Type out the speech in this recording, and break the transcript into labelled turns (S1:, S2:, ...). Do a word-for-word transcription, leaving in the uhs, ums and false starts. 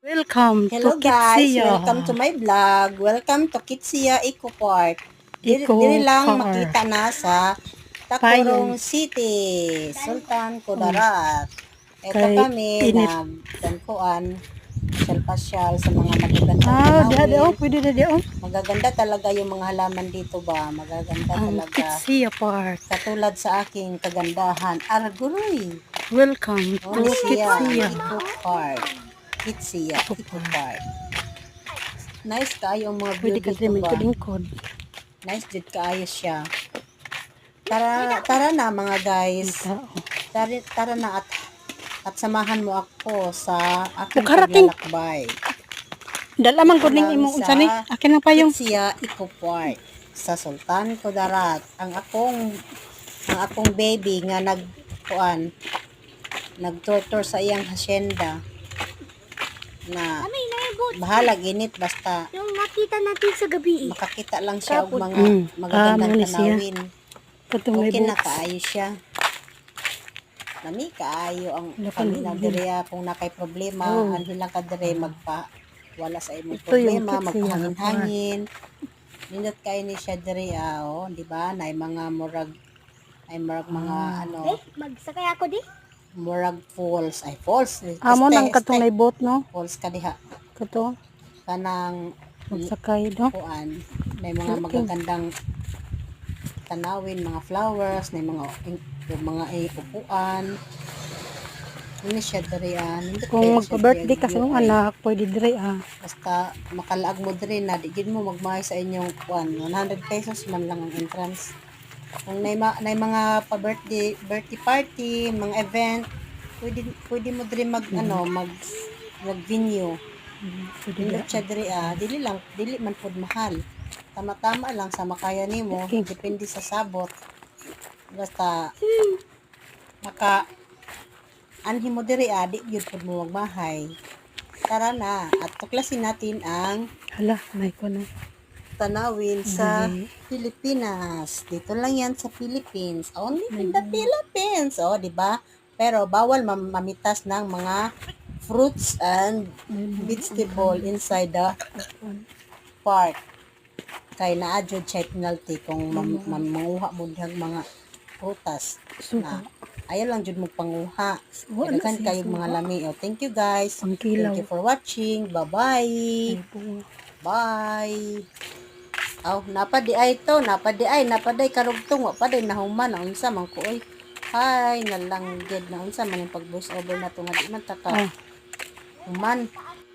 S1: Welcome
S2: Hello
S1: to
S2: guys,
S1: Kitsia.
S2: welcome to my vlog. Welcome to Kitsia Eco Park. Diri,
S1: Eco
S2: diri lang
S1: Park.
S2: makita na sa Tacorong City, Sultan Kudarat. Ito
S1: Kay
S2: kami
S1: init.
S2: na dankuan, pasyal-pasyal sa mga magagandang
S1: Ah, diha di oh,
S2: tanawin.
S1: pwede na di oh.
S2: Magaganda talaga yung mga halaman dito ba? Magaganda
S1: Ang
S2: talaga.
S1: Kitsia Park.
S2: Katulad sa aking kagandahan, Arguroy.
S1: Welcome
S2: Oh,
S1: to
S2: ni siya,
S1: Kitsia.
S2: Eco Park. Kitsia,
S1: Eco
S2: Eco
S1: Park.
S2: Park. Nice kaayo ang mga view
S1: Pwede ka
S2: dito
S1: din
S2: ba?
S1: lingkod.
S2: Nice jud kaayo siya. Tara, tara na mga guys.
S1: Tao.
S2: Tara, tara na at at samahan mo ako sa aking
S1: Bukarating.
S2: paglalakbay.
S1: Dala man
S2: Dito
S1: gud ning
S2: lang
S1: imong unsa
S2: sa
S1: ni? Akin na payong.
S2: Kitsia Eco Park sa Sultan Kudarat. Ang akong ang akong baby nga nag kuan nag-tour sa iyang hacienda na bahala ginit basta
S3: Yung nakita natin sa gabi.
S2: makakita lang siya og mga
S1: Mm.
S2: magagandang
S1: Ah, muna siya.
S2: tanawin.
S1: Katong may
S2: Okay na
S1: books.
S2: kaayo siya. Nami kaayo ang
S1: Wala pa
S2: paminaw
S1: rin.
S2: diri kung nakay problema,
S1: Oh.
S2: anhin lang ka diri magpa wala sa imong
S1: Ito yung
S2: problema,
S1: Kitsia
S2: magpahangin-hangin. Nindot kay ni siya diri ah, oh, di ba? Nay mga murag ay murag mga
S1: Ah.
S2: ano,
S3: Eh, magsakay ako di.
S2: murag falls, ay falls.
S1: Amo
S2: Este-
S1: nang katong
S2: este-
S1: may boat no.
S2: falls ka diha.
S1: Kato
S2: Kanang
S1: magsakay no.
S2: kuan, may mga
S1: Okay.
S2: magagandang tanawin, mga flowers, may mga yung mga eh, upuan. Ini siya diri ah. Nindot
S1: Kung
S2: kaya siya
S1: magpa-birthday
S2: diri,
S1: ka sa
S2: view
S1: mong
S2: ay.
S1: anak, pwede dire ah.
S2: Basta makalaag mo diri na di gid mo magmahay sa inyong kuan, one hundred pesos man lang ang entrance. Kung nay, ma, nay mga pa-birthday, birthday party, mga event, pwede pwede mo diri mag ano, mag mag venue.
S1: Pwede
S2: Nindot
S1: dire.
S2: siya diri ah, dili lang dili man pud mahal. Tama-tama lang sa makaya nimo,
S1: Okay.
S2: depende sa sabot. Basta maka anhi mo diri ah, di gyud pud mo magmahay. Tara na at tuklasin natin ang
S1: Hala, may ko na.
S2: tanawin sa
S1: Ay.
S2: Pilipinas. Dito lang yan sa Philippines. Only in the Philippines. O, di ba? Pero bawal mam- mamitas ng mga fruits and vegetable inside the park. Kay na-adjud siya penalty kung mam- mam- manguha mo dihang mga prutas na ayaw lang jud mo panguha.
S1: Wala
S2: Daghan
S1: siya
S2: kayo
S1: suha.
S2: mga lami. O, thank you guys.
S1: Ang kilaw.
S2: Thank you for watching. Bye-bye.
S1: Ay po.
S2: Bye. Aw, napadi ay to, napadi ay, napaday karugtong, wa paday nahuman, na unsa man ko oy. Hi, nalangged na unsa man yung pag voice over na to nga di man ta ka.
S1: Ah.
S2: Human.